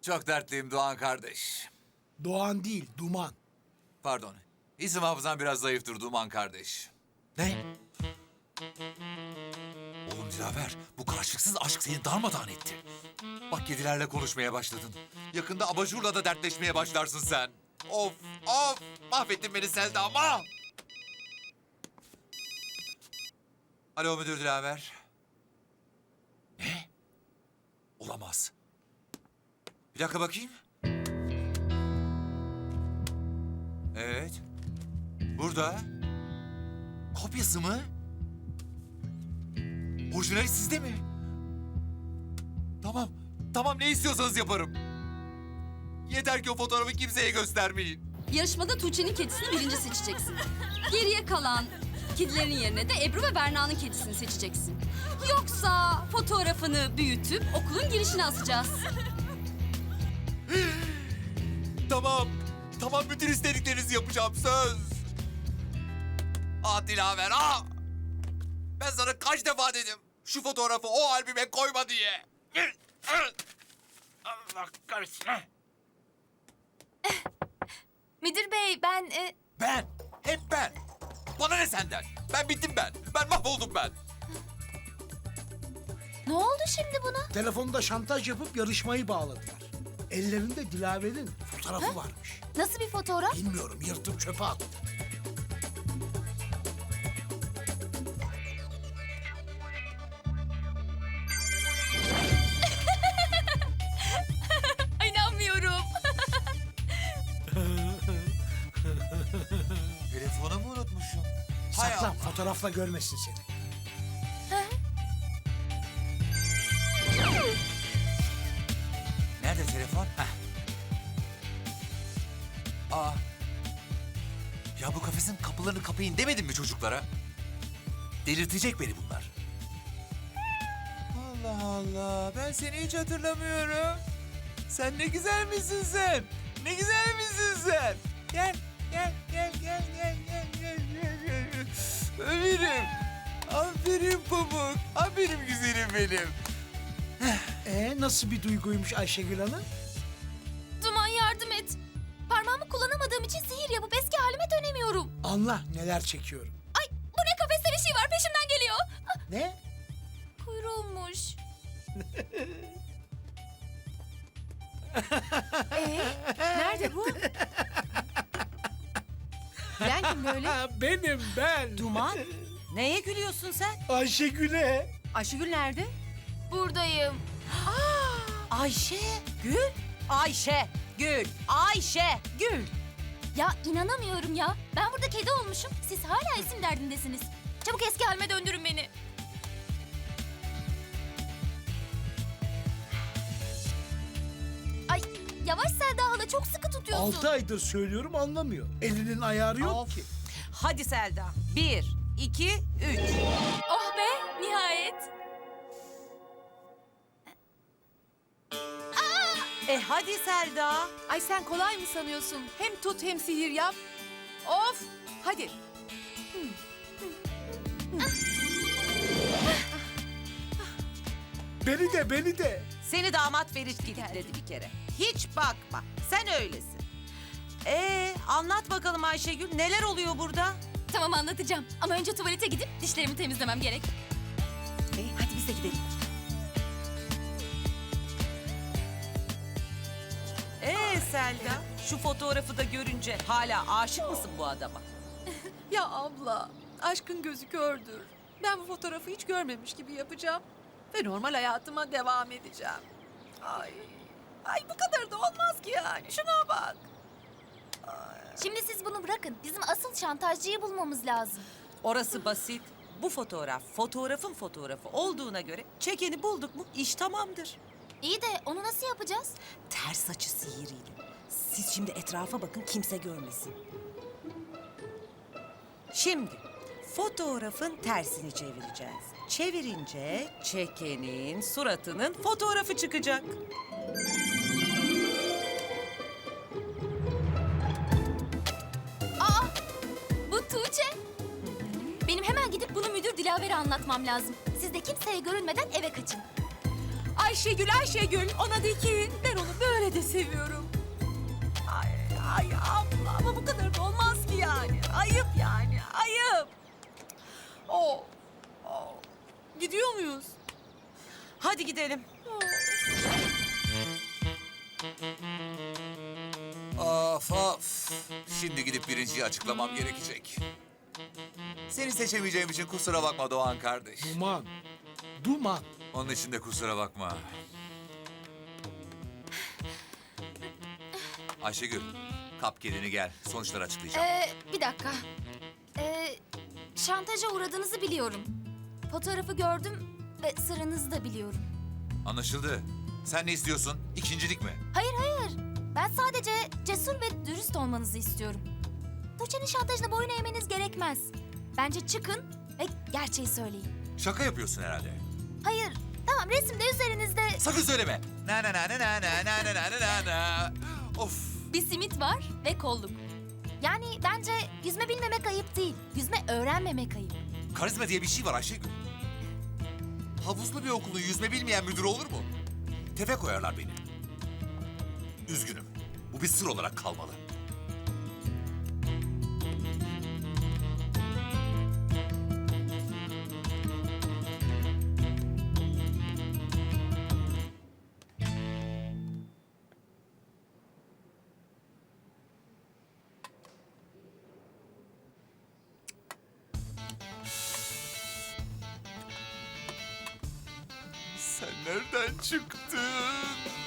Çok dertliyim Doğan kardeş. Doğan değil, Duman. Pardon. İsim hafızam biraz zayıftır Duman kardeş. Ne? Oğlum Dilaver, bu karşılıksız aşk seni darmadağın etti. Bak kedilerle konuşmaya başladın. Yakında abajurla da dertleşmeye başlarsın sen. Of, of! Mahvettin beni Selda ama! Alo müdür Dilaver. Ne? Olamaz. Bir dakika bakayım. Evet. Burada. Kopyası mı? Orijinali sizde mi? Tamam. Tamam ne istiyorsanız yaparım. Yeter ki o fotoğrafı kimseye göstermeyin. Yarışmada Tuğçe'nin kedisini birinci seçeceksin. Geriye kalan kedilerin yerine de Ebru ve Berna'nın kedisini seçeceksin. Yoksa fotoğrafını büyütüp okulun girişine asacağız. Tamam. Tamam bütün istediklerinizi yapacağım söz. Ah Dilaver ah. Ben sana kaç defa dedim şu fotoğrafı o albüme koyma diye. Allah kahretsin. Müdür bey ben... Ben. Hep ben. Bana ne senden? Ben bittim ben. Ben mahvoldum ben. Ne oldu şimdi buna? Telefonda şantaj yapıp yarışmayı bağladılar. Ellerinde Dilaver'in fotoğrafı varmış. Nasıl bir fotoğraf? Bilmiyorum, yırtıp çöpe attı. İnanmıyorum. Telefonumu unutmuşum. Hay Saklan, Allah. fotoğrafla görmesin seni. Nerede telefon? Heh. Aa. Ya bu kafesin kapılarını kapayın demedim mi çocuklara? Delirtecek beni bunlar. Allah Allah. Ben seni hiç hatırlamıyorum. Sen ne güzel misin sen? Ne güzel misin sen? Gel, gel, gel, gel, gel, gel, gel, gel, gel. Ömerim. Aferin Pamuk. Aferin güzelim benim. Nasıl bir duyguymuş Ayşegül Hanım? Duman yardım et. Parmağımı kullanamadığım için sihir yapıp eski halime dönemiyorum. Anla neler çekiyorum. Ay bu ne kafeste bir şey var peşimden geliyor. Ne? Kuyruğummuş. Nerede bu? Gülen kim böyle? Benim ben. Duman. Neye gülüyorsun sen? Ayşegül'e. Ayşegül nerede? Buradayım. Ayşe. Gül. Ayşe. Gül. Ayşe. Gül. Ya inanamıyorum ya. Ben burada kedi olmuşum. Siz hala isim derdindesiniz. Çabuk eski halime döndürün beni. Ay yavaş Selda hala çok sıkı tutuyorsun. 6 aydır söylüyorum anlamıyor. Elinin ayarı yok Of. ki. Hadi Selda. 1, 2, 3. Oh be nihayet. Hadi Selda. Ay sen kolay mı sanıyorsun? Hem tut hem sihir yap. Of! Hadi. Beni de beni de. Seni damat Ferit kilitledi bir kere. Hiç bakma. Sen öylesin. Anlat bakalım Ayşegül. Neler oluyor burada? Tamam anlatacağım. Ama önce tuvalete gidip dişlerimi temizlemem gerek. Hadi biz de gidelim. Selda, şu fotoğrafı da görünce hala aşık mısın bu adama? Ya abla, aşkın gözü kördür. Ben bu fotoğrafı hiç görmemiş gibi yapacağım. Ve normal hayatıma devam edeceğim. Ay bu kadar da olmaz ki yani. Şuna bak. Şimdi siz bunu bırakın. Bizim asıl şantajcıyı bulmamız lazım. Orası basit. Bu fotoğraf, fotoğrafın fotoğrafı olduğuna göre çekeni bulduk mu iş tamamdır. İyi de onu nasıl yapacağız? Ters açı sihiriyle. Siz şimdi etrafa bakın kimse görmesin. Şimdi fotoğrafın tersini çevireceğiz. Çevirince çekenin suratının fotoğrafı çıkacak. Bu Tuğçe. Benim hemen gidip bunu müdür Dilaver'e anlatmam lazım. Siz de kimseye görünmeden eve kaçın. Ayşegül, Ayşegül. Ona de ki ben onu böyle de seviyorum. Ay abla ama bu kadar da olmaz ki yani. Ayıp yani, ayıp. Oh. Gidiyor muyuz? Hadi gidelim. Of of. Şimdi gidip birinciyi açıklamam gerekecek. Seni seçemeyeceğim için kusura bakma Doğan kardeş. Duman. Duman. Onun için de kusura bakma. Ayşegül, kap kedini gel. Sonuçları açıklayacağım. Bir dakika. Şantaja uğradığınızı biliyorum. Fotoğrafı gördüm ve sırrınızı da biliyorum. Anlaşıldı. Sen ne istiyorsun? İkincilik mi? Hayır. Ben sadece cesur ve dürüst olmanızı istiyorum. Tuğçe'nin şantajına boyun eğmeniz gerekmez. Bence çıkın ve gerçeği söyleyin. Şaka yapıyorsun herhalde. Hayır, tamam resimde üzerinizde Sakın söyleme. Na na na na na na na na na na na. Of. bir simit var ve kolluk. Yani bence yüzme bilmemek ayıp değil, yüzme öğrenmemek ayıp. Karizma diye bir şey var Ayşegül. Havuzlu bir okulun yüzme bilmeyen müdürü olur mu? Tefe koyarlar beni. Üzgünüm. Bu bir sır olarak kalmalı. Sen nereden çıktın?